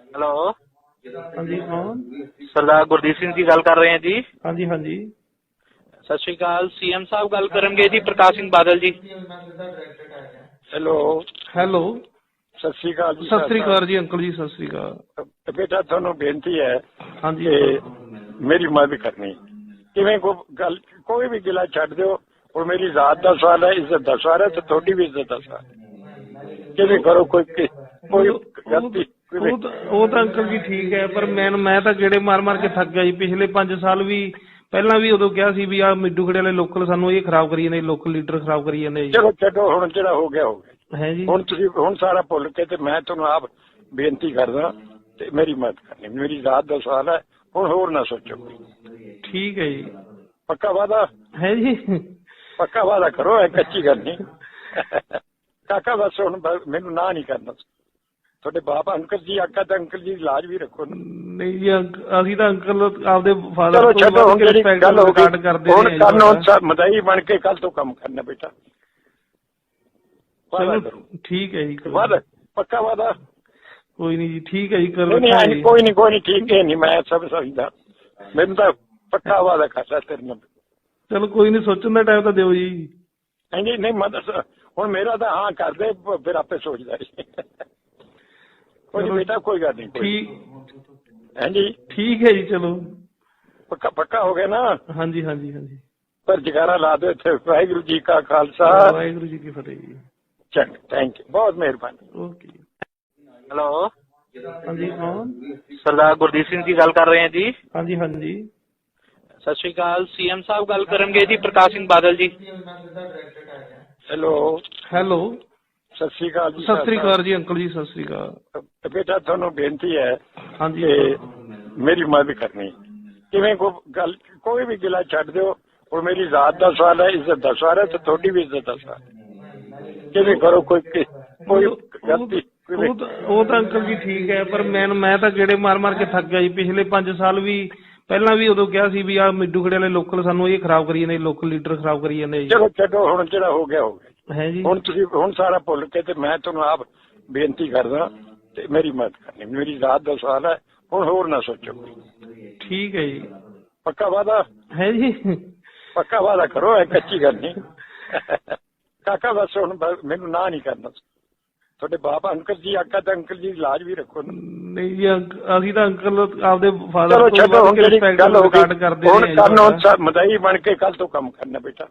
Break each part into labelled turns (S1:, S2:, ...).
S1: Hello.
S2: ਹਾਂਜੀ ਕੌਣ?
S1: ਸਰਦਾਰ ਗੁਰਦੀਪ ਸਿੰਘ ਜੀ ਗੱਲ ਕਰ ਰਹੇ ਹੈ ਜੀ।
S2: ਹਾਂਜੀ ਹਾਂਜੀ।
S1: ਸਤਿ ਸ਼੍ਰੀ ਅਕਾਲ। ਸੀਐਮ ਸਾਹਿਬ ਗੱਲ ਕਰਨਗੇ ਜੀ, ਪ੍ਰਕਾਸ਼ ਸਿੰਘ ਬਾਦਲ ਜੀ।
S3: ਹੈਲੋ।
S2: ਹੈਲੋ।
S3: ਸਤਿ ਸ਼੍ਰੀ ਅਕਾਲ ਜੀ।
S2: ਸਤਿ ਸ੍ਰੀ ਅਕਾਲ ਜੀ ਅੰਕਲ ਜੀ, ਸਤਿ ਸ੍ਰੀ ਅਕਾਲ।
S3: ਬੇਟਾ ਤੁਹਾਨੂੰ ਬੇਨਤੀ ਹੈ
S2: ਹਾਂਜੀ
S3: ਕਿ ਮੇਰੀ ਮਦਦ ਕਰਨੀ। ਕਿਵੇਂ ਗੱਲ ਕੋਈ ਵੀ ਗਿਲਾ ਛੱਡ ਦਿਓ। और मेरी जात का सवाल है, इज्जत का सवाल है, तो थोड़ी भी इज्जत का सवाल है। किਵੇਂ करो कोई गलती
S2: ਉਹ ਤਾਂ ਅੰਕਲ ਜੀ ਠੀਕ ਹੈ, ਪਰ ਮੈਂ ਤਾਂ ਗੇੜੇ ਮਾਰ ਮਾਰ ਕੇ ਥੱਕ ਗਿਆ ਜੀ। ਪਿਛਲੇ 5 ਸਾਲ ਵੀ ਪਹਿਲਾਂ ਵੀ ਉਦੋਂ ਕਿਹਾ ਸੀ ਵੀ ਆਹ ਮਿੱਡੂ ਖੜੇ ਵਾਲੇ ਲੋਕਲ ਸਾਨੂੰ ਇਹ ਖਰਾਬ ਕਰੀ ਜਾਂਦੇ, ਲੋਕਲ ਲੀਡਰ ਖਰਾਬ ਕਰੀ ਜਾਂਦੇ ਜੀ।
S3: ਚਲੋ ਛੱਡੋ, ਹੁਣ ਜਿਹੜਾ ਹੋ ਗਿਆ ਹੋ ਗਿਆ
S2: ਹੈ ਜੀ।
S3: ਹੁਣ ਤੁਸੀਂ ਹੁਣ ਸਾਰਾ ਭੁੱਲ ਕੇ ਤੇ ਮੈਂ ਤੁਹਾਨੂੰ ਆਪ ਬੇਨਤੀ ਕਰਦਾ ਤੇ ਮੇਰੀ ਮਦਦ ਕਰਨੀ। ਮੇਰੀ ਜਾਤ ਦਾ ਸਵਾਲ ਹੈ, ਹੁਣ ਹੋਰ ਨਾ ਸੋਚੋ।
S2: ਠੀਕ ਹੈ ਜੀ।
S3: ਪੱਕਾ ਵਾਦਾ
S2: ਹੈ ਜੀ।
S3: ਪੱਕਾ ਵਾਦਾ ਕਰੋ, ਇਹ ਕੱਚੀ ਗੱਲ ਨਹੀਂ। ਕਾਕਾ ਬਸ ਹੁਣ ਮੈਨੂੰ ਨਾ ਨਹੀਂ ਕਰਨਾ। ਤੁਹਾਡੇ ਬਾਪ ਅੰਕਲ ਜੀ ਆਕਾ ਤਾਂ ਅੰਕਲ ਜੀ ਲਾਜ ਵੀ ਰੱਖੋ।
S2: ਨਹੀਂ ਜੀ ਅਸੀਂ ਤਾਂ ਅੰਕਲ ਆਪਦੇ ਫਾਦਰ
S3: ਚਲੋ ਛੱਡੋ, ਹੁਣ ਜਿਹੜੀ ਗੱਲ ਹੋ ਗਈ
S2: ਕਰਦੇ
S3: ਹੁਣ ਕੱਲ ਮਦਾਈ ਬਣ ਕੇ ਕੱਲ ਤੋਂ ਕੰਮ ਕਰਨਾ ਬੇਟਾ।
S2: ਠੀਕ ਹੈ ਜੀ।
S3: ਵਾਦਾ ਪੱਕਾ ਵਾਦਾ।
S2: ਕੋਈ ਨਹੀਂ ਜੀ, ਠੀਕ ਹੈ ਜੀ। ਕਰ
S3: ਕੋਈ ਨਹੀਂ ਠੀਕ ਹੈ ਨਹੀਂ, ਮੈਂ ਸਭ ਸਮਝਦਾ। ਮੈਨੂੰ ਤਾਂ ਪੱਕਾ ਵਾਦਾ ਕਰਦਾ ਤੇਰੇ ਨਾਲ।
S2: ਚਲੋ ਕੋਈ ਨਹੀਂ, ਸੋਚਣ ਦਾ ਟਾਈਮ ਤਾਂ ਦਿਓ ਜੀ।
S3: ਹਾਂਜੀ ਨਹੀਂ ਮੈਂ ਦੱਸ ਹੁਣ ਮੇਰਾ ਤਾਂ ਹਾਂ ਕਰਦੇ, ਫਿਰ ਆਪੇ ਸੋਚਦਾ ਕੋਈ ਬੇਟਾ, ਕੋਈ ਗੱਲ ਨਹੀਂ।
S2: ਠੀਕ
S3: ਹਾਂਜੀ
S2: ਠੀਕ ਹੈ ਜੀ। ਚਲੋ
S3: ਪੱਕਾ ਹੋ ਗਿਆ ਨਾ।
S2: ਹਾਂਜੀ ਹਾਂਜੀ ਹਾਂਜੀ।
S3: ਪਰ ਜਗਾਰਾ ਲਾ ਦਿਓ ਇੱਥੇ। ਵਾਹਿਗੁਰੂ ਜੀ ਕਾ ਖਾਲਸਾ,
S2: ਵਾਹਿਗੁਰੂ ਜੀ ਕੀ ਫਤਿਹ ਜੀ।
S3: ਚੰਗਾ, ਥੈਂਕ ਯੂ, ਬਹੁਤ ਮਿਹਰਬਾਨੀ।
S2: ਓਕੇ।
S1: ਹੈਲੋ।
S2: ਹਾਂਜੀ ਕੌਣ?
S1: ਸਰਦਾਰ ਗੁਰਦੀਪ ਸਿੰਘ ਜੀ ਗੱਲ ਕਰ ਰਹੇ ਹੈ ਜੀ।
S2: ਹਾਂਜੀ ਹਾਂਜੀ।
S1: ਸਤਿ ਸ਼੍ਰੀ ਅਕਾਲ। ਸੀਐਮ ਸਾਹਿਬ ਗੱਲ ਕਰਨਗੇ ਜੀ, ਪ੍ਰਕਾਸ਼ ਸਿੰਘ ਬਾਦਲ ਜੀ।
S3: ਹੈਲੋ।
S2: ਹੈਲੋ।
S3: ਸਤਿ ਸ਼੍ਰੀ ਅਕਾਲ ਜੀ।
S2: ਸਤਿ ਸ੍ਰੀ ਅਕਾਲ ਜੀ ਅੰਕਲ ਜੀ, ਸਤਿ ਸ੍ਰੀ ਅਕਾਲ।
S3: ਬੇਟਾ ਤੁਹਾਨੂੰ ਬੇਨਤੀ ਹੈ
S2: ਹਾਂਜੀ
S3: ਕਿ ਮੇਰੀ ਮਦਦ ਕਰਨੀ। ਕਿਵੇਂ ਗੱਲ ਕੋਈ ਵੀ ਗਿਲਾ ਛੱਡ ਦਿਓ। और मेरी जात का सवाल है, इज्जत का सवाल है, तो थोड़ी भी इज्जत का सवाल है। किਵੇਂ करो कोई गलती
S2: ਉਹ ਤਾਂ ਅੰਕਲ ਜੀ ਠੀਕ ਹੈ, ਪਰ ਮੈਂ ਤਾਂ ਗੇੜੇ ਮਾਰ ਮਾਰ ਕੇ ਥੱਕ ਗਿਆ ਜੀ। ਪਿਛਲੇ 5 ਸਾਲ ਵੀ ਪਹਿਲਾਂ ਵੀ ਉਦੋਂ ਕਿਹਾ ਸੀ ਵੀ ਆਹ ਮਿੱਡੂ ਖੜੇ ਵਾਲੇ ਲੋਕਲ ਸਾਨੂੰ ਇਹ ਖਰਾਬ ਕਰੀ ਜਾਂਦੇ, ਲੋਕਲ ਲੀਡਰ ਖਰਾਬ ਕਰੀ ਜਾਂਦੇ ਜੀ।
S3: ਚਲੋ ਛੱਡੋ, ਹੁਣ ਜਿਹੜਾ ਹੋ ਗਿਆ ਹੋ ਗਿਆ।
S2: ਹੈ ਜੀ।
S3: ਹੁਣ ਤੁਸੀਂ ਹੁਣ ਸਾਰਾ ਭੁੱਲ ਕੇ ਤੇ ਮੈਂ ਤੁਹਾਨੂੰ ਆਪ ਬੇਨਤੀ ਕਰਦਾ ਤੇ ਮੇਰੀ ਮਦਦ ਕਰਨੀ। ਮੇਰੀ ਜਾਤ ਦਾ ਸਵਾਲ ਹੈ, ਹੁਣ ਹੋਰ ਨਾ ਸੋਚੋ।
S2: ਠੀਕ ਹੈ ਜੀ।
S3: ਪੱਕਾ ਵਾਦਾ
S2: ਹੈ ਜੀ।
S3: ਪੱਕਾ ਵਾਦਾ ਕਰੋ, ਇਹ ਕੱਚੀ ਗੱਲ ਨਹੀਂ। ਕਾਕਾ ਬਸ ਹੁਣ ਮੈਨੂੰ ਨਾ ਨਹੀਂ ਕਰਨਾ। ਤੁਹਾਡੇ ਬਾਪ ਅੰਕਲ ਜੀ ਆਕਾ ਤਾਂ ਅੰਕਲ ਜੀ ਲਾਜ ਵੀ ਰੱਖੋ।
S2: ਨਹੀਂ ਜੀ ਅਸੀਂ ਤਾਂ ਅੰਕਲ ਆਪਦੇ ਫਾਦਰ
S3: ਚਲੋ ਛੱਡੋ, ਹੁਣ ਜਿਹੜੀ ਗੱਲ ਹੋ ਗਈ ਹੁਣ ਕੱਲ ਮਦਾਈ ਬਣ ਕੇ ਕੱਲ ਤੋਂ ਕੰਮ ਕਰਨਾ ਬੇਟਾ।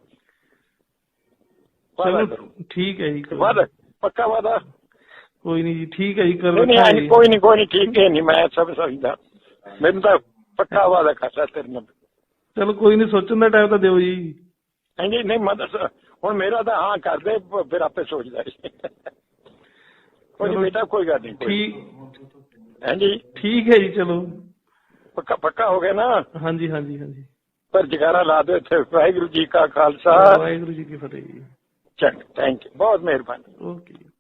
S2: ਠੀਕ ਹੈ ਜੀ।
S3: ਵਾਦਾ ਪੱਕਾ ਵਾਦਾ।
S2: ਕੋਈ ਨਹੀਂ ਜੀ, ਠੀਕ ਹੈ ਜੀ। ਕਰ
S3: ਕੋਈ ਨਹੀਂ ਠੀਕ ਹੈ ਨਹੀਂ, ਮੈਂ ਸਭ ਸਮਝਦਾ। ਮੈਨੂੰ ਤਾਂ ਪੱਕਾ ਵਾਦਾ ਕਰਦਾ ਤੇਰੇ ਨਾਲ।
S2: ਚਲੋ ਕੋਈ ਨਹੀਂ, ਸੋਚਣ ਦਾ ਟਾਈਮ ਤਾਂ ਦਿਓ ਜੀ।
S3: ਹਾਂਜੀ ਨਹੀਂ ਮੈਂ ਦੱਸ ਹੁਣ ਮੇਰਾ ਤਾਂ ਹਾਂ ਕਰਦੇ, ਫਿਰ ਆਪੇ ਸੋਚਦਾ ਕੋਈ ਬੇਟਾ, ਕੋਈ ਗੱਲ ਨਹੀਂ।
S2: ਠੀਕ
S3: ਹਾਂਜੀ
S2: ਠੀਕ ਹੈ ਜੀ। ਚਲੋ
S3: ਪੱਕਾ ਹੋ ਗਿਆ ਨਾ।
S2: ਹਾਂਜੀ ਹਾਂਜੀ ਹਾਂਜੀ।
S3: ਪਰ ਜਗਾਰਾ ਲਾ ਦਿਓ ਇੱਥੇ। ਵਾਹਿਗੁਰੂ ਜੀ ਕਾ ਖਾਲਸਾ,
S2: ਵਾਹਿਗੁਰੂ ਜੀ ਕੀ ਫਤਿਹ ਜੀ।
S3: ਚੰਗਾ, ਥੈਂਕ ਯੂ, ਬਹੁਤ ਮਿਹਰਬਾਨੀ।
S2: ਓਕੇ।